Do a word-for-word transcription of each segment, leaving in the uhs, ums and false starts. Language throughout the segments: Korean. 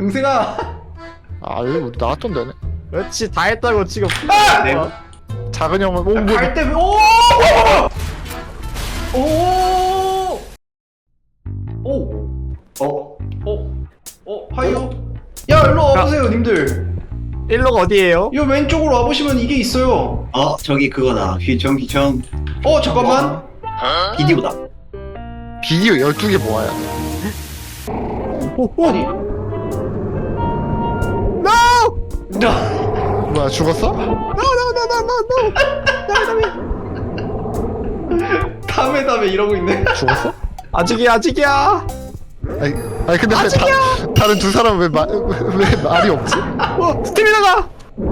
동생아. 아 여기 우리 나왔던 데네. 그렇지 다 했다고 지금. 아! 네. 작은 형은 오 뭐, 갈 때, 오! 오! 오! 어? 어? 어? 하이요? 야, 일로 와보세요, 님들. 일로가 어디에요? 이 왼쪽으로 와보시면 이게 있어요. 어 저기 그거다. 휘청 휘청. 어, 잠깐만. 비디오다. 비디오 열두 개 모아야 돼. 아니. No! 나. 뭐야 죽었어? No no no no no no. 다음에 다음에 이러고 있네. 죽었어? 아직이야 아직이야. 아니, 아니 근데 왜 다, 다른 두 사람 왜, 마, 왜, 왜 말이 없지? 어 스태미나가.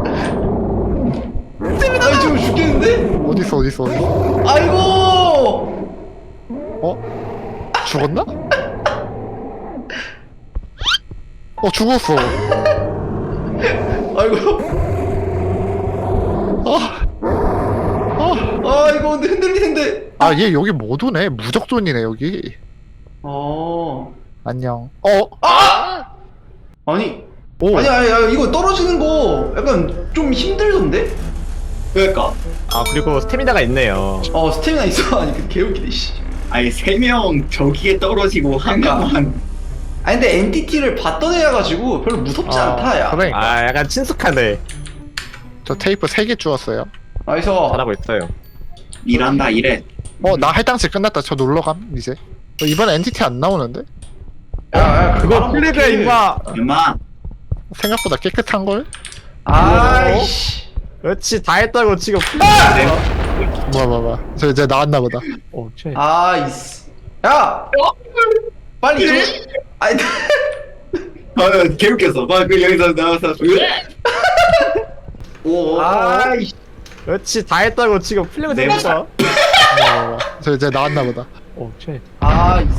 아니, 지금 죽겠는데? 어딨어 어딨어 어딨어? 아이고! 어? 죽었나? 어 죽었어. 아이고. 아, 아, 아, 이거 근데 흔들릴 텐데. 아, 얘 여기 못 오네. 무적존이네 여기. 어. 안녕. 어? 아! 아니. 오. 아니, 아니, 아니, 이거 떨어지는 거 약간 좀 힘들던데? 그러니까. 아 그리고 스태미나가 있네요. 어, 스태미나 있어. 아니, 그 개웃기네, 씨. 아니 세 명 저기에 떨어지고 한 그러니까. 명만. 아니, 근데 엔티티를 봤던 애여가지고 별로 무섭지 아, 않다, 야. 그러니까. 아 약간 친숙하네. 저 테이프 세 개 주웠어요. 나이스. 잘하고 있어요. 일한다 이래. 어, 나 할당치 끝났다. 저 놀러감 이제. 어, 이번에 엔티티 안 나오는데? 야, 야, 그거 말하면 플리드야 어떡해. 임마. 엄마. 생각보다 깨끗한 걸? 아이씨. 그렇지 다 했다고 지금. 네. 뭐야 뭐야 뭐야. 저 이제 나왔나 보다. 오 쟤. 아이씨. 야! 빨리 좀. 아니, 아 개웃겼어. 막그 여기서 나와서. 오. 아이씨. 그렇지 다 했다고 지금 플리드 네. 됐어. 뭐야 뭐야 뭐야. 저 이제 나왔나 보다. 오 쟤. 아이씨.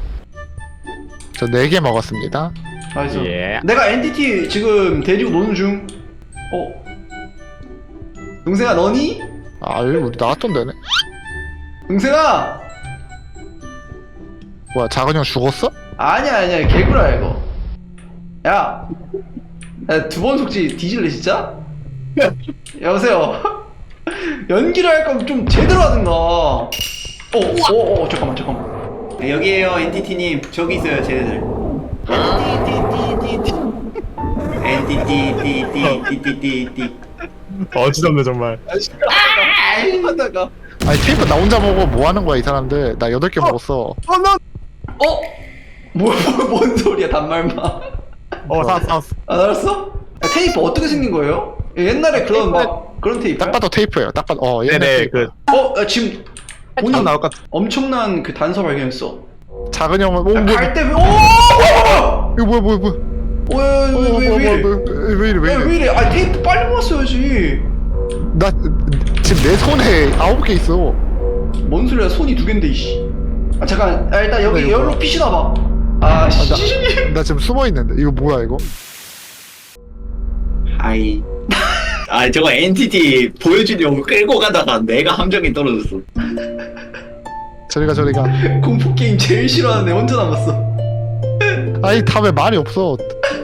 저 네 개 먹었습니다. 나이스. 예. 내가 엔티티 지금 데리고 노는 중. 어? 동생아, 너니? 아, 여기 우리 나왔던 데네. 동생아! 뭐야, 작은 형 죽었어? 아니야, 아니야. 개구라야, 이거. 야! 야, 두 번 속지 뒤질래, 진짜? 여보세요? 연기를 할 거면 좀 제대로 하든가. 어, 어, 어, 어, 잠깐만, 잠깐만. 네, 여기에요 엔티티님. 저기 있어요 쟤네들. 엔티티티티티티티티. 어지럽네 정말. 하다가. 아니, 테이프 나 혼자 먹어. 뭐 하는 거야, 이 사람들. 나 여덟 개 먹었어. 어 너. 어? 뭐, 뭐, 뭔 소리야, 단말마. 어 사왔어 사왔어. 아, 알았어? 야, 테이프 어떻게 생긴 거예요? 옛날에 그런 막, 그런 테이프. 딱 봐도 테이프예요. 딱 봐도, 어, 옛날 네네 테이프. 그. 어, 야, 지금 딱 본인 나올 것 같아. 엄청난 그 단서 발견했어. 작은 형은, 오, 야, 뭐야. 갈 때, 왜, 오! 이거 뭐야, 뭐야, 뭐야. 오, 야, 야, 어, 왜, 왜, 왜, 뭐야, 왜 뭐야, 이래? 뭐야. 왜 이래, 왜 야, 이래. 왜 이래? 아, 테이프 빨리 모았어야지. 나 지금 내 손에 아홉 개 있어. 뭔 소리야, 손이 두 갠데, 이씨. 아, 잠깐, 아, 일단 여기 이거 열로 뭐야? 피시나봐. 아, 씨. 나 지금 숨어 있는데 이거 뭐야 이거? 아이. 아 저거 엔티티 보여주려고 끌고 가다가 내가 함정이 떨어졌어. 저리가 저리가. 공포게임 제일 싫어하는 애 혼자 남았어. 아니 다음에 말이 없어.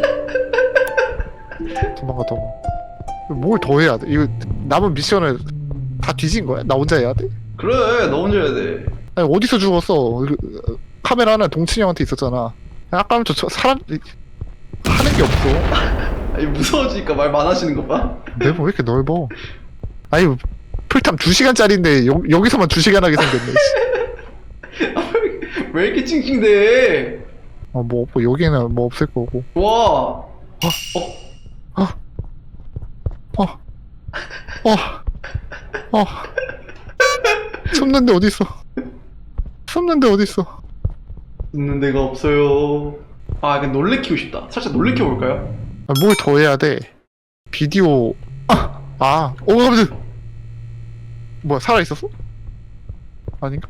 도망가 도망가. 뭘 더 해야 돼? 이거 남은 미션을 다 뒤진 거야? 나 혼자 해야 돼? 그래, 너 혼자 해야 돼. 아니 어디서 죽었어? 그, 카메라 하나 동친이 형한테 있었잖아. 아까부터 저 사람 하는 게 없어. 아니, 무서워지니까 말 많아지는 거 봐. 내몸 왜 이렇게 넓어? 아니 풀탐 두 시간짜리인데 여, 여기서만 두 시간 하게 생겼네. 씨. 아, 왜, 왜 이렇게 찡찡대? 어, 뭐 없고 여기는 뭐 없을 거고. 와. 어? 어? 어? 어? 어? 숨는데 어딨어? 숨는데 어딨어? 있는 데가 없어요. 아, 약간 놀래키고 싶다. 살짝 놀래켜 볼까요? 아, 뭘 더 해야 돼? 비디오. 아! 아! 오, 깜짝 뭐야, 살아있었어? 아닌가?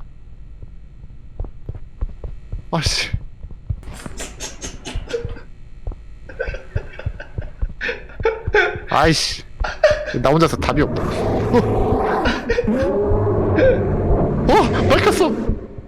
아씨. 아이씨. 나 혼자서 답이 없다. 어? 어! 밝혔어!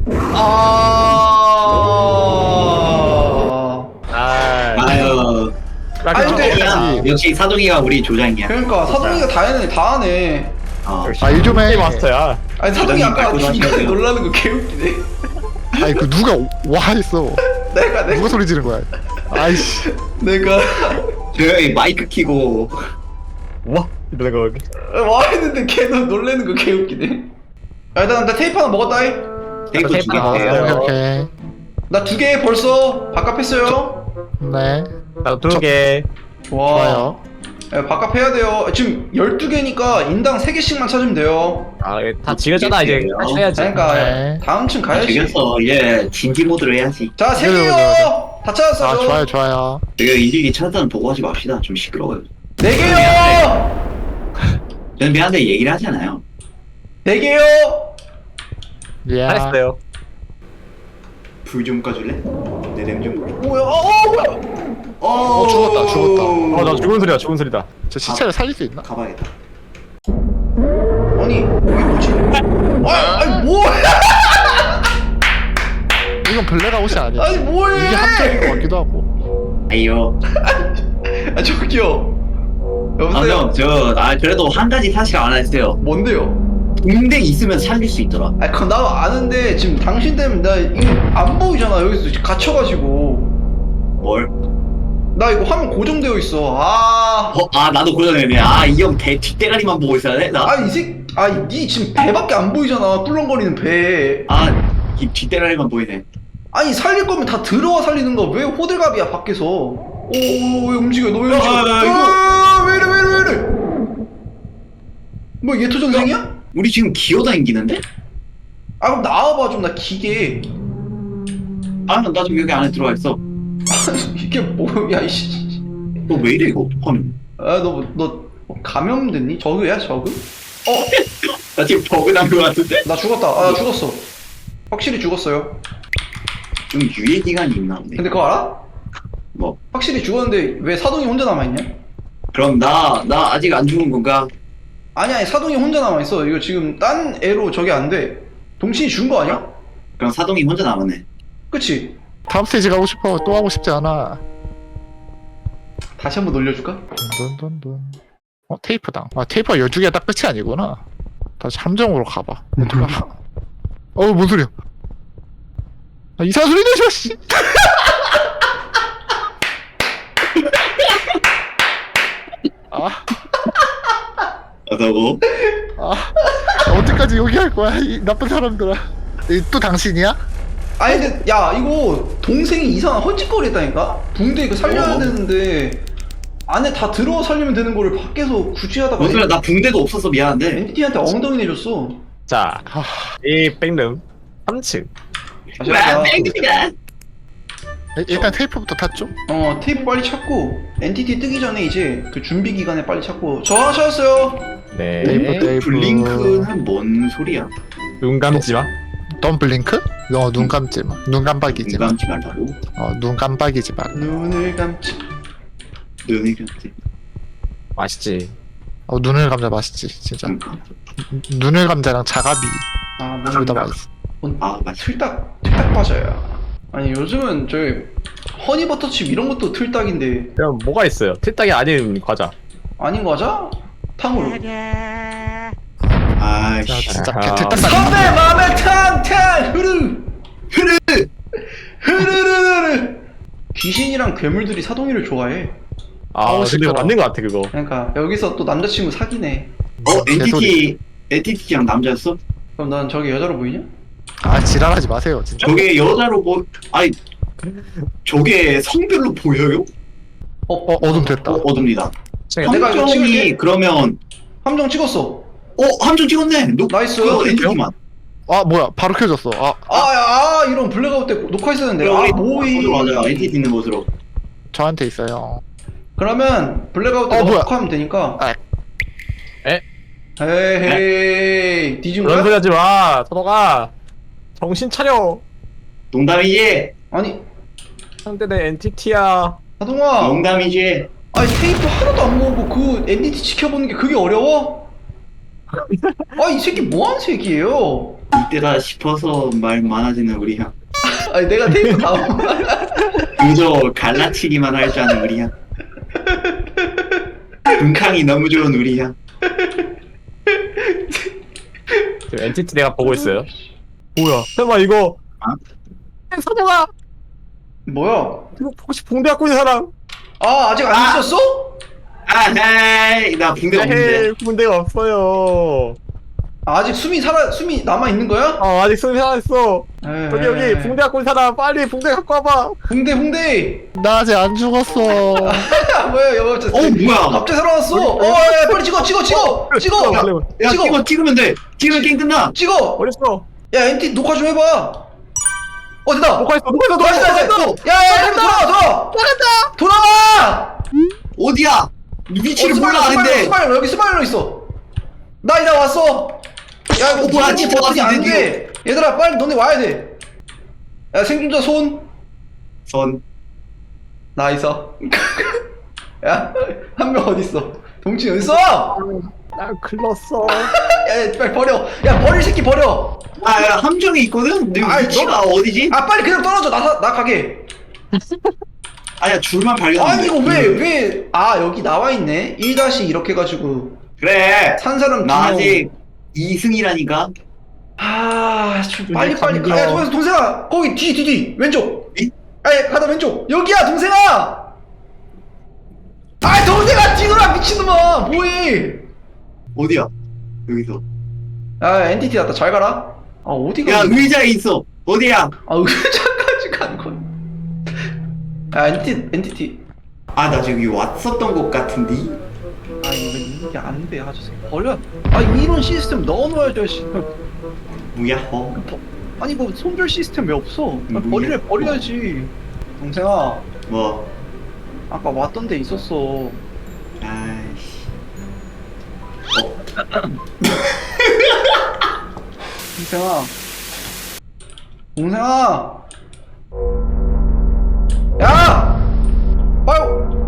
아. 아. 아유. 아니, 근데- 사동이가 역시 사동이가 우리 조장이야. 그러니까 사동이가 다 해네 다 하네. 어. 아, 일 좀 해. 마스터야. 아니 사동이 부장님 아까 말고도 중간에 하셔야 돼요. 놀라는 거 개웃기네. 아니 그 누가 와 했어. 내가 내가 누가 소리 지른 거야? 아이씨. 내가 조용히 마이크 키고 와 이러는 거. 와 했는데 걔는 놀래는 거 개웃기네. 야, 일단 나 테이프 하나 먹었다. 이. 테이프 테이프 두개 하나 오케이 먹었어요. 오케이. 나 두 개 벌써 바깥했어요. 네. 나도 두 개. 좋아. 좋아요. 야, 바깥 해야 돼요. 지금 열두 개니까 인당 세 개씩만 찾으면 돼요. 아다 지겨잖아 이제. 돼요. 다시 해야지. 그러니까 네. 다음 층 가야지. 죽였어. 이제 진지 모드로 해야지. 자, 세 네, 네, 개요. 네, 다 찾았어. 아 요 좋아요 좋아요. 내가 일일이 찾아는 보고 하지 맙시다. 좀 시끄러워요. 네 개요. 저는 미안한데 얘기를 하잖아요. 네 개요. 예. 잘했어요. 불 좀 꺼줄래? 내 냄 좀. 뭐야? 어, 어 뭐야? 어, 죽었다, 죽었다. 어나 죽은 소리야 죽은 소리다. 저 시체를 살릴 수 있나? 가봐야겠다. 아니 이게 뭐지? 아, 아니 뭐야? 이건 블랙 아웃이 아니야. 아니 뭐해? 이게 함정인 것 같기도 하고. 아이요. 아 저기요. 아, 여보세요. 형, 저, 아, 그래도 한 가지 사실 안 했어요. 뭔데요? 동댕 있으면 살릴 수 있더라. 아, 그건 나도 아는데 지금 당신 때문에 나 이거 안 보이잖아. 여기서 갇혀가지고 뭘? 나 이거 화면 고정되어 있어. 아, 어, 아, 나도 고정했네. 아, 이 형 대 뒷대가리만 보고 있어야 돼? 나, 아이 새, 아니 지금 배밖에 안 보이잖아. 꿀렁거리는 배. 아, 이 뒷대가리만 보이네. 아니 살릴 거면 다 들어와 살리는 거. 왜 호들갑이야 밖에서? 오, 왜 움직여? 너 왜 움직여? 아, 아, 이거. 아, 왜 이래 왜 이래 왜 이래? 뭐 예토 전생이야? 우리 지금 기어다니기는데? 아 그럼 나와봐 좀 나 기계. 아, 나 지금 여기 안에 들어와 있어. 이게 뭐야 이씨. 너 왜 이래, 이거? 화면. 아너너 감염됐니? 저그야 저그? 어? 나 지금 버그 난 거 같은데? 나 죽었다. 아 나 죽었어. 확실히 죽었어요. 좀 유예 기간이 있나 보네. 근데 그거 알아? 뭐, 확실히 죽었는데 왜 사동이 혼자 남아있냐? 그럼 나, 나 아직 안 죽은 건가? 아니 아니 사동이 혼자 남아있어. 이거 지금 딴 애로 저게 안돼. 동신이 죽은 거 아니야? 그럼 사동이 혼자 남았네. 그치? 다음 스테이지 가고 싶어. 또 하고 싶지 않아. 다시 한번 놀려줄까? 돈돈돈. 어 테이프당. 아 테이프가 열두 개가 딱 끝이 아니구나. 다시 함정으로 가봐. 어떡하. 어뭔 소리야? 아, 이상한 소리 내줘 씨. 아, 어서고? 아, 언제까지 여기 할 거야? 이 나쁜 사람들아. 이, 또 당신이야? 아니 근데 야 이거 동생이 이상한 헐짓거리 했다니까? 붕대 이거 살려야 어. 되는데 안에 다 들어와 살리면 되는 거를 밖에서 굳이 하다가 뭔 소리야, 나 붕대도 없어서 미안한데. 엔티티한테 엉덩이 내줬어. 자, 이 백룸 삼 층. 다시 와, 하자. 땡기다. 일- 일단 테이프부터 탔죠? 어 테이프 빨리 찾고 엔티티 뜨기 전에 이제 그 준비 기간에 빨리 찾고 저 하나 찾았어요. 네. 테이프 테이프. 블링크는 뭔 소리야? 눈 감지 마. 넌 블링크? 어, 눈 감지 마. 눈 깜빡이지 마. 눈감지 말라고? 어, 눈 깜빡이지 마. 눈을 감지. 눈이 감지. 맛있지. 어, 눈을 감자 맛있지, 진짜. 응. 눈을 감자랑 자가비 아 둘 다 뭔가 맛있어. 아, 맞아. 틀딱 틀딱 빠져요. 아니 요즘은 저희 허니버터칩 이런 것도 틀딱인데 그럼 뭐가 있어요? 틀딱이 아닌 과자. 아닌 거죠? 탕후루. 아, 자, 씨. 진짜 아하. 개틀딱 선배 맘에 탕탕 흐르 흐르 흐르르르르. 귀신이랑 괴물들이 사동이를 좋아해. 아, 아우, 근데 시끄러워. 맞는 것 같아 그거. 그러니까 여기서 또 남자친구 사귀네. 어, 엔티티, 개소리. 엔티티랑 남자였어? 그럼 난 저게 여자로 보이냐? 아, 지랄하지 마세요, 진짜. 저게 여자로 보, 아니, 저게 성별로 보여요? 어, 어, 어둠 됐다. 어, 어둡니다. 내가 이거 함정이 찍을게. 그러면, 함정 찍었어. 어, 함정 찍었네. 노, 나이스. 그 엔티티만. 아, 뭐야, 바로 켜졌어. 아, 아, 야, 아 이런 블랙아웃 때 녹화했었는데. 아, 뭐이. 맞아, 엔티티 있는 곳으로. 저한테 있어요. 그러면 블랙아웃 때 어, 뭐야. 녹화하면 되니까. 아. 에? 에헤이. 뒤진 그런 거야? 소리 하지 마. 서도가 정신 차려. 농담이지? 아니, 상대는 엔티티야. 하동아. 농담이지? 아니 테이프 하나도 안 모으고 그 엔티티 지켜보는 게 그게 어려워? 아 이 새끼 뭐하는 새끼예요? 이때다 싶어서 말 많아지는 우리 형. 아니 내가 테이프 다 모으- 그저 갈라치기만 할 줄 아는 우리 형. 금캉이 너무 좋은 우리야. 지금 엔티티 내가 보고 있어요. 뭐야? 설마 이거 아? 사동아 뭐야? 이거 혹시 붕대 갖고 있는 사람? 아 아직 안 아! 있었어? 아, 헤이, 나 붕대 없는데. 에이, 붕대가 없어요. 아, 아직 숨이 살아 숨이 남아 있는 거야? 어 아직 손이 살아있어. 에이, 여기 여기 붕대 갖고 있는 사람 빨리 붕대 갖고 와봐. 붕대 붕대. 나 아직 안 죽었어. 야 뭐야 여보 진짜. 어, 뭐야? 갑자기 살아났어. 어, 야, 야, 빨리 찍어 찍어 찍어 찍어 야, 야, 찍어. 찍어, 찍으면 돼. 찍으면 게임 끝나. 찍어. 어딨어? 야 엔티 녹화 좀 해봐. 어 됐다. 녹화했어 녹화했어 나이스 녹화했어. 나이스. 야야 돌아와 돌아와. 돌아간다. 돌아와. 어디야? 위치를 어, 몰라, 스마일러, 근데. 스마일러 여기 스마일러 있어. 나 이제 왔어. 야 이거 어, 뭐야, 무슨 집어 버튼이 왔어, 안 돼. 얘들아 빨리 너네 와야 돼. 야 생존자 손. 선. 나 있어. 야 한 명 어디 있어? 동치 어디 있어? 나 글렀어. 야, 야 빨리 버려. 야 버릴 새끼 버려. 아, 야, 함정이 있거든? 근데 아이, 위치가 너- 어디지? 아 빨리 그냥 떨어져. 나 나 가게. 아야, 줄만 발견. 아니 이거 왜 왜? 아 여기 나와 있네. 일 다시 이렇게 해가지고 그래. 산 사람 나 두 명. 아직 이승이라니까. 아, 좀 빨리 이제 빨리 감겨. 가. 야, 동생, 동생아, 거기 뒤, 뒤, 뒤, 왼쪽. 이? 아니, 가다 왼쪽. 여기야, 동생아. 아, 동생아, 뛰노라 미친놈아, 뭐해? 어디야? 여기서. 아, 엔티티 났다. 잘 가라. 아, 어디가? 야, 의자에 있어. 어디야? 아, 의자까지 간 건. 아, 엔티, 엔티티. 아, 나 저기 왔었던 것 같은데. 아, 이거 이게 안 돼, 아저씨. 버려. 아, 이런 시스템 넣어놓아야죠, 씨. 뭐야? 어? 버- 아니, 뭐 손절 시스템 왜 없어? 아, 뭐야? 버리래, 버려야지. 동생아, 뭐? 아까 왔던 데 있었어. 아이씨. 동생아 동생아 야! 빨리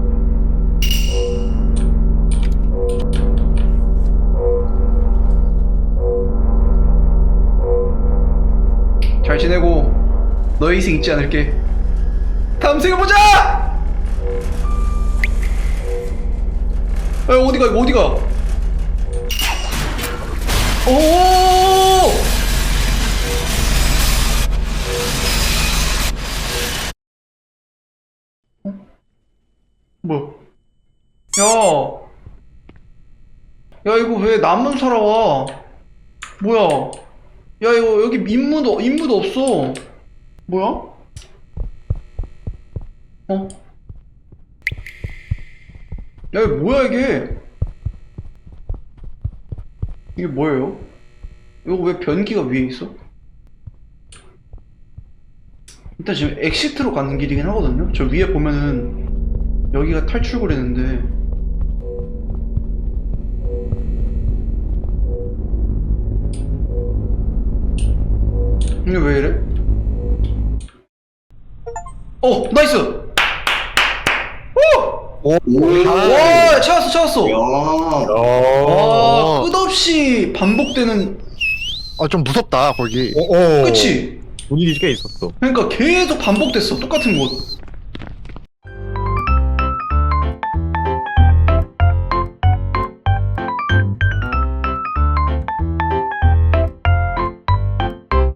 잘 지내고 너의 희생 잊지 않을게. 다음 생에 보자! 야 어디가 이거 어디가 오! 뭐야? 야, 야 이거 왜 나만 살아와? 뭐야? 야 이거 여기 인무도 인무도 없어. 뭐야? 어? 야 이거 뭐야 이게? 이게 뭐예요? 이거 왜 변기가 위에 있어? 일단 지금 엑시트로 가는 길이긴 하거든요? 저 위에 보면은 여기가 탈출구라는데 이게 왜 이래? 어! 나이스! 오! 오. 와! 찾았어 찾았어! 야. 와 끝없이 반복되는 아, 좀 무섭다, 거기. 오. 그치? 분위기 꽤 있었어. 그러니까 계속 반복됐어 똑같은 곳